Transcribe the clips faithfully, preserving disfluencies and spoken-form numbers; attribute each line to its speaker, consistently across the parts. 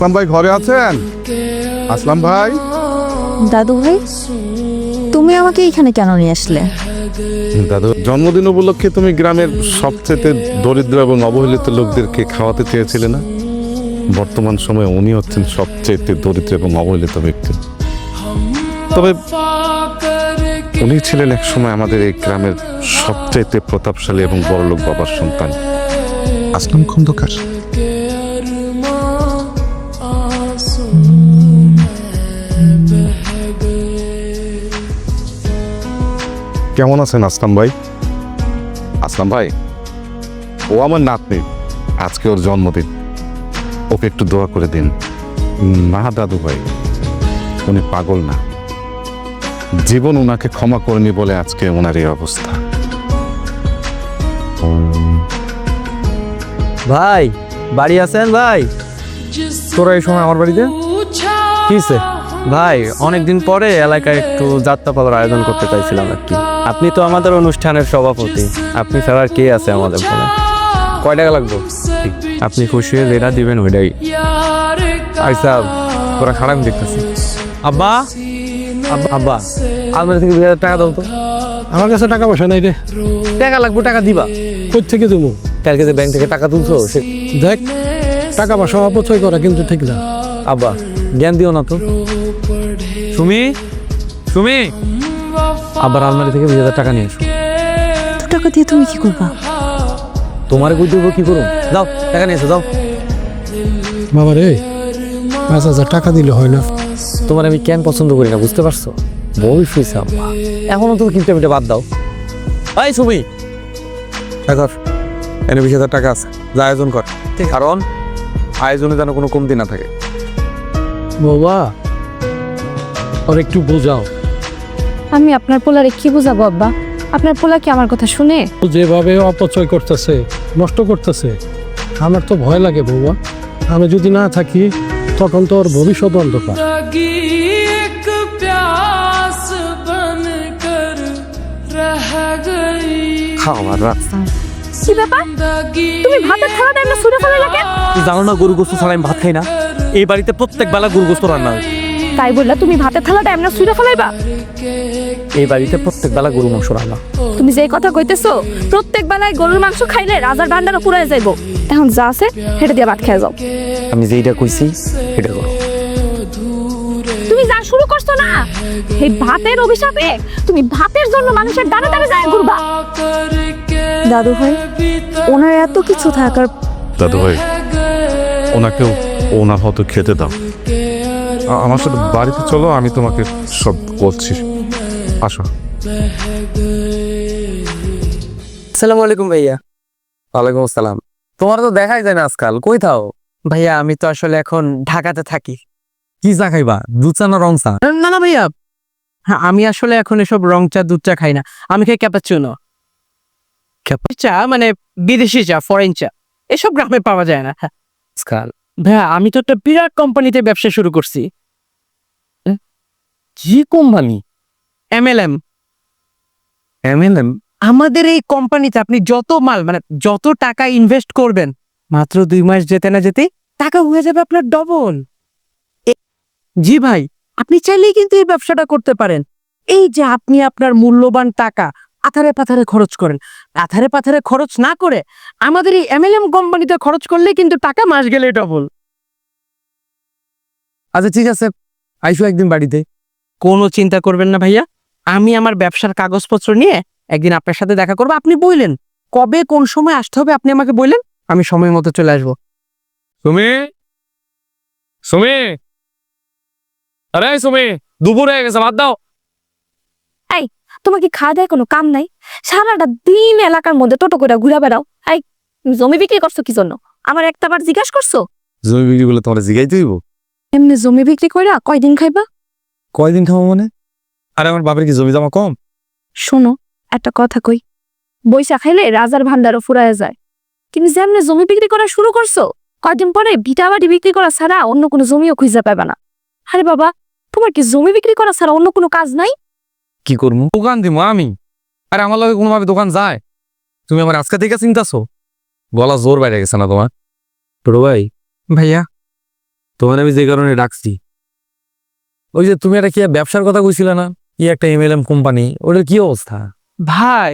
Speaker 1: আসলাম ভাই ঘরে আছেন? আসলাম ভাই।
Speaker 2: দাদু ভাই, তুমি আমাকে এখানে কেন নিয়ে আসলে?
Speaker 1: দাদু জন্মদিন উপলক্ষে তুমি গ্রামের সবচেয়ে দরিদ্র এবং অবহেলিত লোকদেরকে খাওয়াতে চেয়েছিলে না? বর্তমান সময়ে উনি হচ্ছেন সবচেয়ে দরিদ্র এবং অবহেলিত ব্যক্তি। তবে উনি ছিলেন এক সময় আমাদের এই গ্রামের সবচেয়ে প্রতাপশালী এবং বড়লোক বাবার সন্তান, আসলাম খন্দকার। কেমন আছেন আসলাম ভাই? আসলাম ভাই, ও আমার নাতনি, আজকে ওর জন্মদিন, ওকে একটু দোয়া করে দিন। না দাদু ভাই, উনি পাগল না, জীবন ওনাকে ক্ষমা করেনি বলে আজকে ওনার এই অবস্থা।
Speaker 3: ভাই বাড়ি আছেন? ভাই
Speaker 4: তোরা এই সময় আমার বাড়িতে
Speaker 3: কিসে? ভাই অনেকদিন পরে এলাকায় একটু যাত্রাপালার আয়োজন করতে চাইছিলাম আর কি। আপনি তো আমাদের অনুষ্ঠানের সভাপতি, আপনি ছাড়া আর কে আছে আমাদের ফোনে?
Speaker 4: কয় টাকা লাগবে?
Speaker 3: আপনি খুশি হয়ে যেটা দিবেন ওইটাই।
Speaker 4: আচ্ছা তোরা খারাপ দেখতেছি।
Speaker 3: আব্বা আব্বা আব্বা আপনার থেকে দুই হাজার টাকা দাও তো।
Speaker 4: আমার কাছে টাকা পয়সা নাই রে।
Speaker 3: টাকা লাগবে, টাকা দিবা
Speaker 4: কই থেকে দেবো?
Speaker 3: কালকে যে ব্যাংক থেকে টাকা তুলছো সে।
Speaker 4: দেখ, টাকা পয়সা অপচয় করা কিন্তু ঠিক না।
Speaker 3: আব্বা জ্ঞান দিও না তো। সুমি সুমি আবার আলমারি থেকে দুই হাজার টাকা নিয়ে এসো।
Speaker 2: এত টাকা দিয়ে তুমি কি করবা?
Speaker 3: তোমার কই দেবো, কি করুন? যাও টাকা নিয়ে এসো, যাও।
Speaker 4: বাবা রে, পাঁচ হাজার টাকা দিলে হয় না?
Speaker 3: তোমার আমি কেন পছন্দ করি না বুঝতে পারছো? বই শুয়েছে আম্মা, এখনো তুমি কিন্তু এটা বাদ দাও। এই সুমি
Speaker 4: এখন এনে বিশ হাজার টাকা আছে, যা আয়োজন কর। কারণ আয়োজনে যেন কোনো কমতি না থাকে। বাবা আর একটু বোঝাও।
Speaker 2: আমি আপনার পোলারে কি বুঝাবো আব্বা? আপনার পোলা কি আমার কথা শুনে?
Speaker 4: ও যেভাবে অপচয় করতেছে, নষ্ট করতেছে, আমার তো ভয় লাগে বাবা। আমি যদি না থাকি তখন তো ওর ভবিষ্যৎ অন্ধকার।
Speaker 3: খাওয়ার রাত।
Speaker 2: কি ব্যাপার? তুমি ভাতের থালাটা এমন ছুঁড়ে ফেলে লাগে?
Speaker 3: তুই জানো না গরু গোস্ত ছাড়া আমি ভাত খাই না? এই বাড়িতে প্রত্যেক বেলা গরু গোস্ত রান্না হয়।
Speaker 2: তাই বললা তুমি ভাতের থালাটা এমন ছুঁড়ে ফেলাইবা?
Speaker 3: এই বাড়িতে প্রত্যেক বেলা গরু মাংস রান্না।
Speaker 2: তুমি যে কথা কইতেছো, প্রত্যেক বেলায় গরুর মাংস খাইলে রাজার ভান্ডারও পুরাই যাইবো। এখন যা আছে হেঁটে দিয়ে ভাত খেয়ে যাও।
Speaker 3: আমি যেইটা কইছি এটা করো।
Speaker 2: তুমি যা শুরু করছো না, এই ভাতের অভিশাপে তুমি ভাতের জন্য মানুষের দানা দানা যায় ঘুরবা। দাদু ভাই, ওনার এত কিছু থাকার।
Speaker 1: দাদু ভাই, ওনাকেও ওনার হয়তো খেতে দাও। আ- আমার সাথে বাড়িতে চলো, আমি তোমাকে সব বলছি। আসো।
Speaker 3: আসসালামু আলাইকুম ভাইয়া। ওয়ালাইকুম আসসালাম। তোমার তো দেখাই যায় না আজকাল, কই থাও?
Speaker 5: ভাইয়া আমি তো আসলে এখন ঢাকাতে থাকি।
Speaker 3: কি চা খাইবা, দুধ চা না রং চা?
Speaker 5: না না ভাইয়া, হ্যাঁ আমি আসলে এখন এসব রং চা দুধ চা খাই না, আমি খাই ক্যাপাচিনো। চা মানে বিদেশি চা, ফরেন চা, এসব গ্রামে পাওয়া যায় না। হ্যাঁ
Speaker 3: আজকাল
Speaker 5: ভাইয়া, আমি তো একটা বিরাট কোম্পানিতে ব্যবসা শুরু করছি।
Speaker 3: কি company?
Speaker 5: M L M.
Speaker 3: M L M?
Speaker 5: আমাদের এই কোম্পানিতে আপনি যত মাল মানে যত টাকা ইনভেস্ট করবেন, মাত্র দুই মাস যেতে না যেতে টাকা হয়ে যাবে আপনার ডবল। জি ভাই, আপনি চাইলেই কিন্তু এই ব্যবসাটা করতে পারেন। এই যে আপনি আপনার মূল্যবান টাকা আথারে পাথারে খরচ করেন, আথারে পাথারে খরচ না করে আমাদের এই এম এল এম কোম্পানিতে খরচ করলে কিন্তু টাকা মাস গেলে ডবল।
Speaker 3: আচ্ছা ঠিক আছে, আইসো একদিন বাড়িতে।
Speaker 5: কোনো চিন্তা করবেন না ভাইয়া, আমি আমার ব্যবসার কাগজপত্র নিয়ে একদিন আপনার সাথে দেখা করবো। আপনি বললেন কবে কোন সময় আসতে হবে, আপনি আমাকে বললেন, আমি সময় মতো চলে আসবো।
Speaker 4: সুমি, সুমি, আরে সুমি, দুপুর হয়ে গেছে, ভাত দাও।
Speaker 2: তোমার কি খাওয়া দেয় কোনো কাম নাই? সারাটা দিন এলাকার মধ্যে টোটো করে ঘুরে বেড়াও। এই তুমি জমি বিক্রি করছো কি জন্য? আমার একটা বার জিজ্ঞাসা করছো?
Speaker 1: জমি বিক্রি করলে তোমার জিগাইতে হইব?
Speaker 2: এমনি জমি বিক্রি কইরা কয়দিন খাইবা?
Speaker 1: কয়দিন খাবো মানে? আরে আমার বাপের কি জমি জমা কম?
Speaker 2: শোনো, একটা কথা কই, বৈশা খাইলে রাজার ভান্ডারও ফুরায় যায়। কিন্তু যেমনি জমি বিক্রি করা শুরু করছো, কয়দিন পরে ভিটা বাড়ি বিক্রি করা ছাড়া অন্য কোনো জমিও খুঁজে পাবে না। আরে বাবা, তোমার কি জমি বিক্রি করা ছাড়া অন্য কোনো কাজ নাই?
Speaker 3: কি করবো?
Speaker 4: দোকান দিব আমি। আরে আমার লগে কোনোভাবে দোকান যায়? তুমি আমার আজকে থেকে চিন্তাছো? গলা জোর বাইরে গেছে না তোমার?
Speaker 3: ছোট ভাই,
Speaker 5: ভাইয়া
Speaker 3: তোমার আমি যে কারণে ডাকছি, ওই যে তুমি একটা কি ব্যবসার কথা কইছিলে না, কি একটা এমএলএম কোম্পানি, ওটার কি অবস্থা?
Speaker 5: ভাই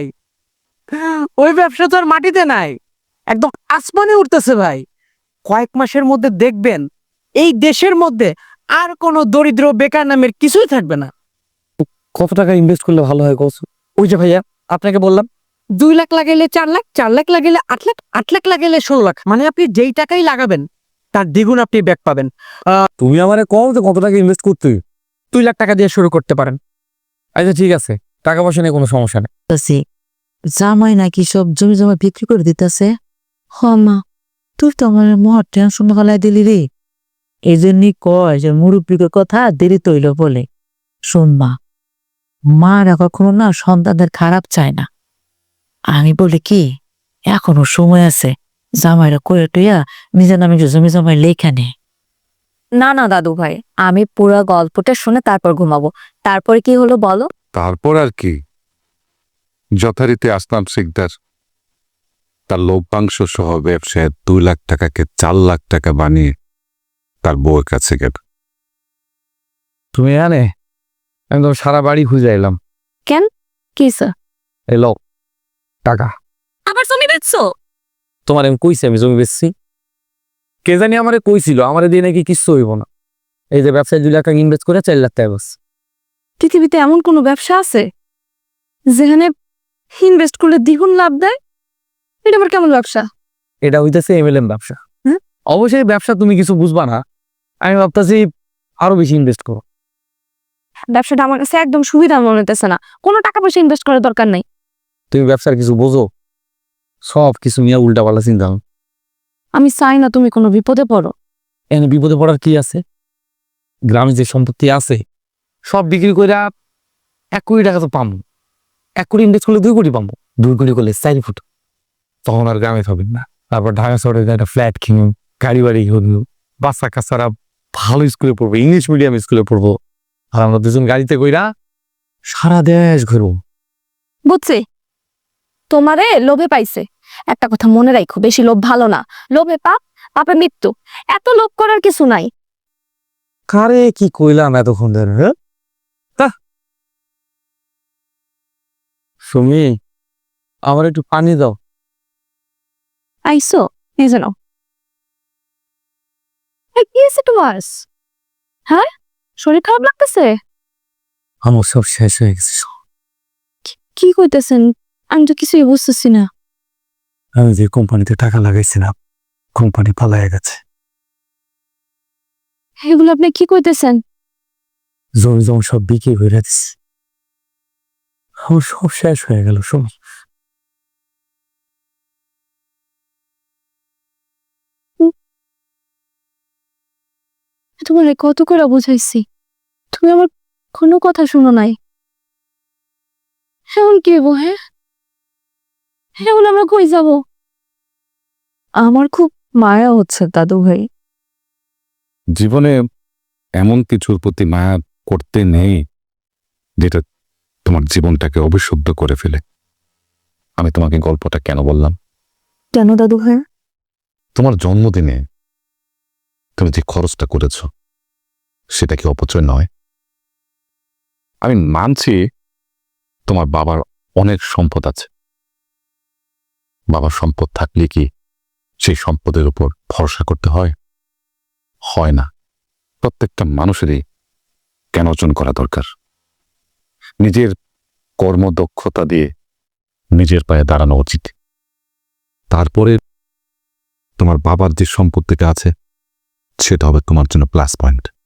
Speaker 5: ওই ব্যবসা তো আর মাটিতে নাই, একদম আসমানে উঠতেছে ভাই। কয়েক মাসের মধ্যে দেখবেন এই দেশের মধ্যে আর কোনো দরিদ্র বেকার নামের কিছুই থাকবে না।
Speaker 3: কত টাকা ইনভেস্ট করলে ভালো হয় কস?
Speaker 5: ওই যে ভাইয়া আপনাকে বললাম, দুই লাখ লাগাইলে চার লাখ, চার লাখ লাগাইলে আট লাখ, আট লাখ লাগাইলে ষোলো লাখ, মানে আপনি যেই টাকাই লাগাবেন তার দ্বিগুণ আপনি ব্যাক পাবেন।
Speaker 3: তুমি আমারে কও যে কত টাকা ইনভেস্ট করতে?
Speaker 5: দুই লাখ টাকা দিয়ে শুরু করতে পারেন।
Speaker 3: আচ্ছা ঠিক আছে, টাকা পয়সা নিয়ে কোনো সমস্যা নেই।
Speaker 6: আছে জামাই নাকি সব জমি জমা বিক্রি করে দিতেছে। হ মা, তুই তো আমার মহা টেনশন ফেলাই দিলি রে। এই জন্যই কয় যে মুরব্বীর কথা দেরি তৈল বলে। শোন মা, মারা কখনো না সন্তানদের খারাপ চায় না। আমি বলি কি, এখনো সময় আছে, জামাইরা করে টইয়া নিজের নামে জমি জমাই লেখা নে।
Speaker 2: না না দাদু ভাই, আমি পুরো গল্পটা শুনে তারপর ঘুমাবো। তারপরে কি হলো বলো?
Speaker 1: তারপর আর কি, যথারীতি আসলাম শিকদার তার লভ্যাংশ সহ ব্যবসায় দুই লাখ টাকাকে চার লাখ টাকা বানিয়ে তার বউয়ের কাছে গেল।
Speaker 3: তুমি জানে আমি তো সারা বাড়ি খুঁজে এলাম,
Speaker 2: কি স্যার?
Speaker 3: এই লোক টাকা।
Speaker 2: আবার জমি বেচছো?
Speaker 3: তোমার আমি কইছি আমি জমি বেচছি? কে জানি আমারে কইছিল, আমারে দিয়ে নাকি কিচ্ছু হইব না। এই যে ব্যবসায় দুই লাখ টাকা ইনভেস্ট করে চার লাখ টাকা বাস।
Speaker 2: পৃথিবীতে এমন কোনো ব্যবসা আছে যেখানে ইনভেস্ট করলে দ্বিগুণ লাভ দেয়? এটা আবার কেমন ব্যবসা?
Speaker 3: এটা হইতেছে এমএলএম ব্যবসা।
Speaker 2: হুম?
Speaker 3: অবশ্যই ব্যবসা তুমি কিছু বুঝবা না, আমি ভাবতেছি আরো বেশি ইনভেস্ট করো।
Speaker 2: ব্যবসাটা আমার কাছে একদম সুবিধা মনে হতেছে না, কোনো টাকা পয়সা ইনভেস্ট করার দরকার নাই।
Speaker 3: তুমি ব্যবসার কিছু বোঝো? সব কিছু নিয়ে উল্টা পাল্টা চিন্তা।
Speaker 2: আমি চাই না তুমি কোনো বিপদে পড়ো।
Speaker 3: এখানে বিপদে পড়ার কি আছে? গ্রামে যে সম্পত্তি আছে সব বিক্রি করে এক কোটি টাকা তো পাবো। এক কোটি ইনভেস্ট করলে দুই কোটি পাবো, দুই কোটি করলে চার ফুট, তখন আর গ্রামে থাকবেন না। তারপর ঢাকা শহরে একটা ফ্ল্যাট কিনুন, গাড়ি বাড়ি কিনুন, বাচ্চা কাচ্চারা ভালো স্কুলে পড়বো, ইংলিশ মিডিয়াম স্কুলে পড়বো, আর আমরা দুজন গাড়িতে কইরা সারা দেশ ঘুরবো।
Speaker 2: বুঝছি, তোমারে লোভে পাইছে। একটা কথা মনে রাখো, বেশি লোভ ভালো না। লোভে পাপ, পাপে মৃত্যু। এত লোভ করার কিছু নাই।
Speaker 3: কারে কি কইলাম এতক্ষণ ধরে? হ্যাঁ তা সুমি, আমার একটু পানি দাও।
Speaker 2: আইসো, এই যে নাও। এই, কি হয়েছে তোমার? হ্যাঁ, শরীর খারাপ লাগতেছে?
Speaker 3: আমার সব শেষ হয়ে গেছে।
Speaker 2: কি কইতেছেন? আমি তো কিছুই বুঝতেছি না।
Speaker 3: আমি যে কোম্পানিতে টাকা লাগাইছিলাম, কোম্পানি পালায় গেছে।
Speaker 2: এগুলো আপনি কি কইতেছেন?
Speaker 3: জমি জমি সব বিক্রি করে দিচ্ছে, আমার সব শেষ হয়ে গেল। সুমি,
Speaker 2: তোমার কত করে বুঝাইছি, তুমি আমার কোনো কথা শুনো নাই। এখন কি হবো? হ্যাঁ, এখন আমরা কই যাব? আমার খুব মায়া হচ্ছে দাদু ভাই।
Speaker 1: জীবনে এমন কিছুর প্রতি মায়া করতে নেই যেটা তোমার জীবনটাকে অবিশুদ্ধ করে ফেলে। আমি তোমাকে গল্পটা কেন বললাম?
Speaker 2: কেন দাদু ভাই?
Speaker 1: তোমার জন্মদিনে তুমি যে খরচটা করেছ সেটা কি অপচয় নয়? আমি মানছি তোমার বাবার অনেক সম্পদ আছে, বাবার সম্পদ থাকলে কি সেই সম্পদের উপর ভরসা করতে হয়? হয় না। প্রত্যেকটা মানুষেরই জ্ঞান অর্জন করা দরকার, নিজের কর্মদক্ষতা দিয়ে নিজের পায়ে দাঁড়ানো উচিত। তারপরে তোমার বাবার যে সম্পত্তিটা আছে সেটা হবে তোমার জন্য প্লাস পয়েন্ট।